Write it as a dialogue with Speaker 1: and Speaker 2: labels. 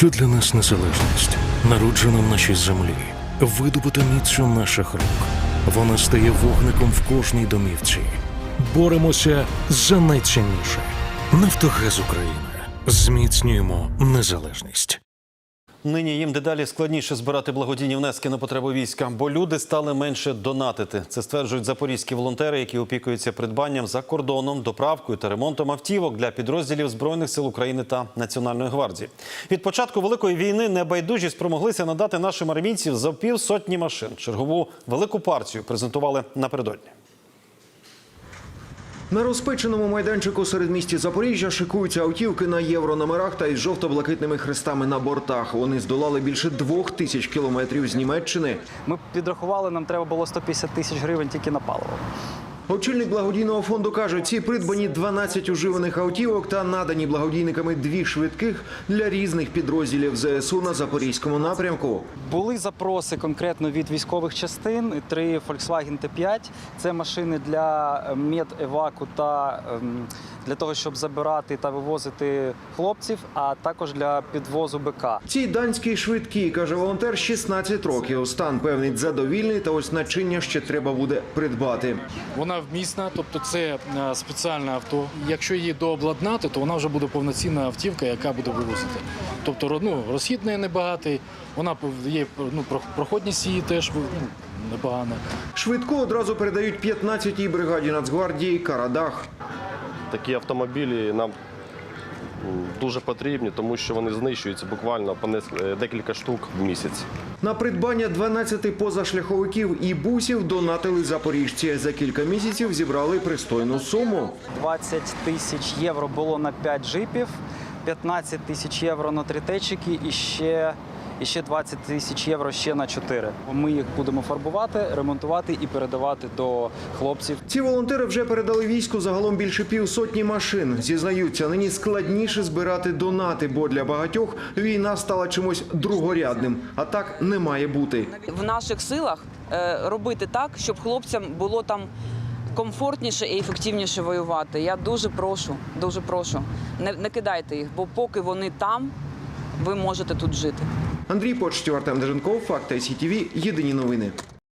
Speaker 1: Що для нас незалежність? Народжена в нашій землі, видобута міцю наших рук. Вона стає вогником в кожній домівці. Боремося за найцінніше. Нафтогаз України. Зміцнюємо незалежність.
Speaker 2: Нині їм дедалі складніше збирати благодійні внески на потреби війська, бо люди стали менше донатити. Це стверджують запорізькі волонтери, які опікуються придбанням за кордоном, доправкою та ремонтом автівок для підрозділів Збройних сил України та Національної гвардії. Від початку Великої війни небайдужі спромоглися надати нашим армійців за 50 машин. Чергову велику партію презентували напередодні.
Speaker 3: На розпеченому майданчику середмісті Запоріжжя шикуються автівки на єврономерах та із жовто-блакитними хрестами на бортах. Вони здолали більше 2000 кілометрів з Німеччини.
Speaker 4: Ми підрахували, нам треба було 150 тисяч гривень тільки на паливо.
Speaker 3: Очільник благодійного фонду каже, ці придбані 12 уживаних автівок та надані благодійниками 2 швидких для різних підрозділів ЗСУ на Запорізькому напрямку.
Speaker 4: Були запроси конкретно від військових частин, 3 Volkswagen T5. Це машини для медеваку та для того, щоб забирати та вивозити хлопців, а також для підвозу БК.
Speaker 3: Ці данські швидкі, каже волонтер, 16 років. Стан певний задовільний, та ось начиння ще треба буде придбати.
Speaker 5: Вона вмісна, тобто це спеціальне авто. Якщо її дообладнати, то вона вже буде повноцінна автівка, яка буде вивозити. Тобто розхід неї небагатий, вона є, проходність її теж непогана.
Speaker 3: Швидку одразу передають 15-й бригаді Нацгвардії «Карадах».
Speaker 6: Такі автомобілі нам дуже потрібні, тому що вони знищуються буквально по декілька штук в місяць.
Speaker 3: На придбання 12 позашляховиків і бусів донатили запоріжці. За кілька місяців зібрали пристойну суму.
Speaker 4: 20 тисяч євро було на 5 джипів, 15 тисяч євро на 3 течики і ще 20 тисяч євро ще на 4. Ми їх будемо фарбувати, ремонтувати і передавати до хлопців.
Speaker 3: Ці волонтери вже передали війську загалом більше 50 машин. Зізнаються, нині складніше збирати донати, бо для багатьох війна стала чимось другорядним. А так не має бути.
Speaker 7: В наших силах робити так, щоб хлопцям було там комфортніше і ефективніше воювати. Я дуже прошу, не кидайте їх, бо поки вони там, ви можете тут жити.
Speaker 3: Андрій Почтів, Артем Деженков, Факти СІТВ, єдині новини.